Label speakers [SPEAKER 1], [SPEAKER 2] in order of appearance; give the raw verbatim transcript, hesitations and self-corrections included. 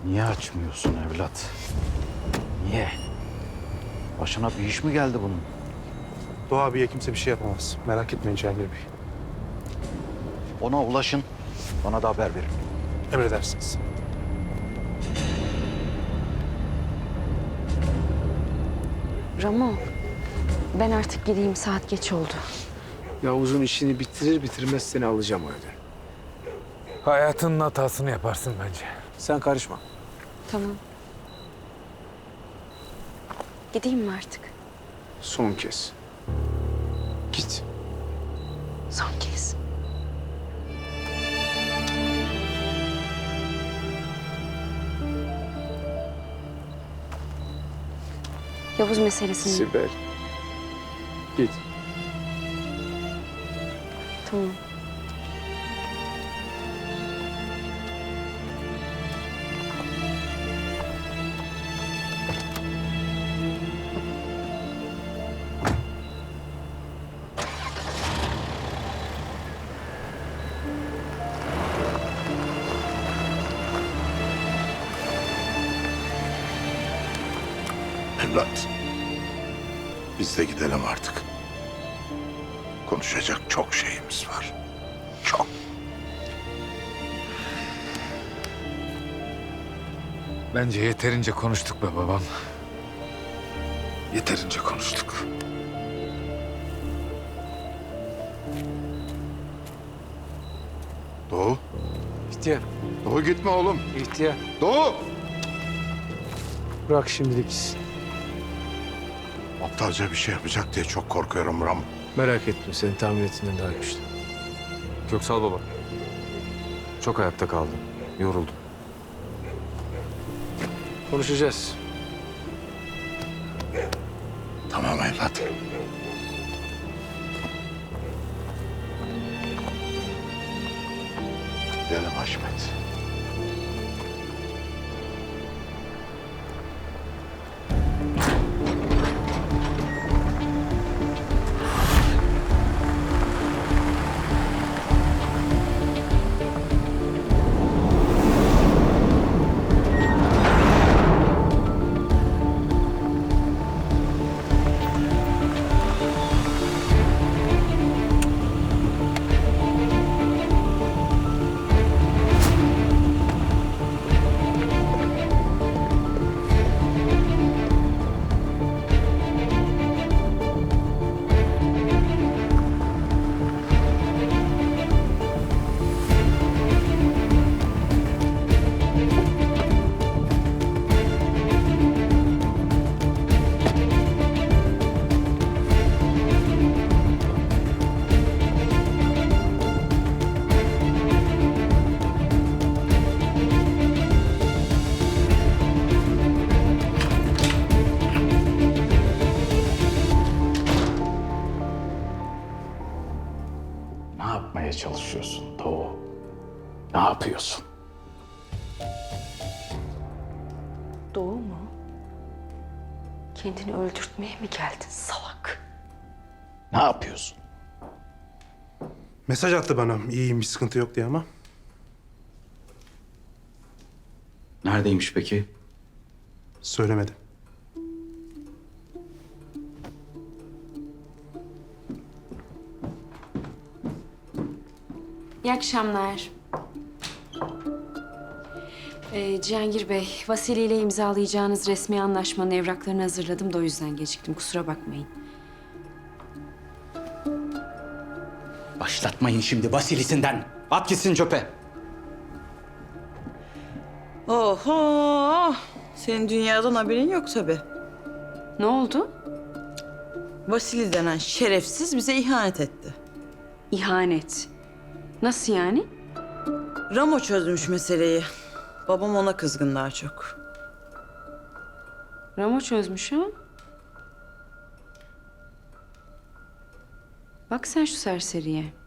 [SPEAKER 1] Niye açmıyorsun evlat? Niye? Başına bir iş mi geldi bunun?
[SPEAKER 2] Doğa abiye kimse bir şey yapamaz. Merak etmeyin Cihangir Bey.
[SPEAKER 1] Ona ulaşın, bana da haber verin.
[SPEAKER 2] Emredersiniz.
[SPEAKER 3] Ramo, ben artık gideyim. Saat geç oldu.
[SPEAKER 4] Yavuz'un işini bitirir bitirmez seni alacağım o evden.
[SPEAKER 5] Hayatının hatasını yaparsın bence.
[SPEAKER 4] Sen karışma.
[SPEAKER 3] Tamam. Gideyim mi artık?
[SPEAKER 4] Son kez. Git.
[SPEAKER 3] Son kez. Yavuz meselesini...
[SPEAKER 4] Sibel. Git.
[SPEAKER 3] Tamam.
[SPEAKER 6] Evlat, biz de gidelim artık. Konuşacak çok şeyimiz var. Çok.
[SPEAKER 5] Bence yeterince konuştuk be babam. Yeterince konuştuk.
[SPEAKER 6] Doğu,
[SPEAKER 4] İhtiyar.
[SPEAKER 6] Doğu gitme oğlum.
[SPEAKER 4] İhtiyar.
[SPEAKER 6] Doğu!
[SPEAKER 4] Bırak şimdilik gitsin.
[SPEAKER 6] Aptalca bir şey yapacak diye çok korkuyorum Ram.
[SPEAKER 4] Merak etme, senin tahmin ettiğinden daha güçlü.
[SPEAKER 7] Köksal baba. Çok ayakta kaldım. Yoruldum.
[SPEAKER 4] Konuşacağız.
[SPEAKER 6] Tamam evlat. Gidelim Haşmet.
[SPEAKER 1] Ne yapmaya çalışıyorsun Doğu? Ne yapıyorsun?
[SPEAKER 3] Doğu mu? Kendini öldürtmeye mi geldin salak?
[SPEAKER 1] Ne yapıyorsun?
[SPEAKER 2] Mesaj attı bana. İyiyim, bir sıkıntı yok diye ama.
[SPEAKER 1] Neredeymiş peki?
[SPEAKER 2] Söylemedi.
[SPEAKER 3] İyi akşamlar. Ee, Cihangir Bey, Vasili ile imzalayacağınız resmi anlaşmanın evraklarını hazırladım da o yüzden geciktim. Kusura bakmayın.
[SPEAKER 1] Başlatmayın şimdi Vasilisinden. At gitsin çöpe.
[SPEAKER 8] Oho! Senin dünyadan haberin yok tabii.
[SPEAKER 3] Ne oldu?
[SPEAKER 8] Vasili denen şerefsiz bize ihanet etti.
[SPEAKER 3] İhanet. Nasıl yani?
[SPEAKER 8] Ramo çözmüş meseleyi. Babam ona kızgın daha çok.
[SPEAKER 3] Ramo çözmüş ha? Bak sen şu serseriye.